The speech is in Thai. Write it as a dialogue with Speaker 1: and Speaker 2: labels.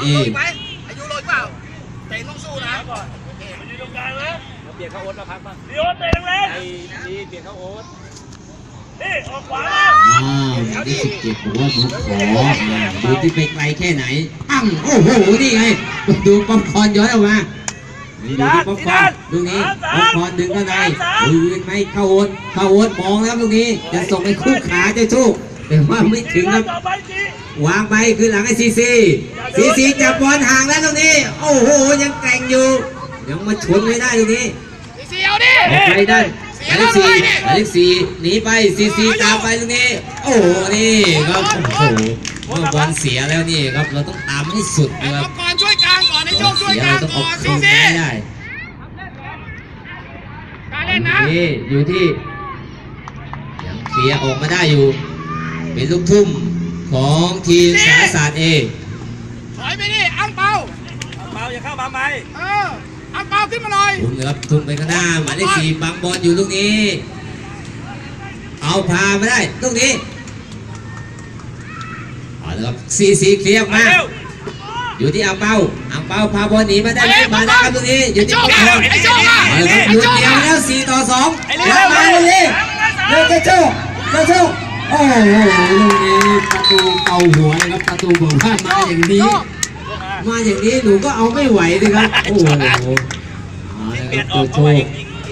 Speaker 1: นี่
Speaker 2: ไหมอายุโรยเปล่าเตะต้องสู้นะก่อน
Speaker 3: มันอยู่ตรงกลางนะ
Speaker 4: เปลี่ยนเข้าโอ๊ตมาพักบ้าง
Speaker 3: ดีโอ๊ตเตะแรง
Speaker 4: ไอ้ดีเปลี่ยนเข้าโอ๊ต
Speaker 3: นี่ออกขวา
Speaker 1: อย่างที่17บอกว่าหนูขอดูที่ไปไกลแค่ไหนปั้งโอ้โหนี่ไงดูป๊อปคอร์นย้อนออกมาดูป๊อปคอร์นลูกนี้ป๊อปคอร์นดึงเข้าในยืนไหมเข้าโอ๊ตมองแล้วลูกนี้จะส่งไปคู่ขาเจ้าโชคแต่ว่าไม่ถึงครับวางไปคือหลังไอ้ซีจับบอลห่างแล้วตรงนี้โอ้โหยังแกร่งอยู่ยังมาชนไม่ได้ตรงนี้
Speaker 2: ซีเอาดิ
Speaker 1: ไปได้หมายเลขสี่หนีไปซีตามไปตรงนี้โอ้โหนี่ครับโอ้โหเมื่อบอลเสียแล้วนี่ครับเราต้องตามให้สุดนะครับ
Speaker 2: ก่อนช่วยกลางก่อนให้โชคช่วยกลางก่อน
Speaker 1: ซีได้
Speaker 2: การเล่นนะ
Speaker 1: อยู่ที่ยังเคลียร์ออกมาได้อยู่เป็นลูกทุ่มของทีมสารศาสตร์เอ
Speaker 2: ถอยไปดิอังเปา
Speaker 4: อย่าเข้ามาไหม
Speaker 2: อังเปาขึ้นมาหน่อย
Speaker 1: ทุ่มครับทุ่มไปข้างหน้าหมายเลข4บังบอลอยู่ลูกนี้เอาพามาได้ลูกนี้เอาละครับซีเคลียร์มาอยู่ที่อังเปาพาบอลหนีมาได้มาได้ครับลูกนี้อยู่ที่ป๊อปคอร์นเอาละครับลุ้นเดียวแล้ว4-2รับมาเลยเจ้าโชคโอ้โหลูกนี้ประตูเก่าหัวนะครับประตูบอกว่ามาอย่างนี้หนูก็เอาไม่ไหวเลยครับโอ้โห
Speaker 4: เปลี่ยนออกเข้ามาอีก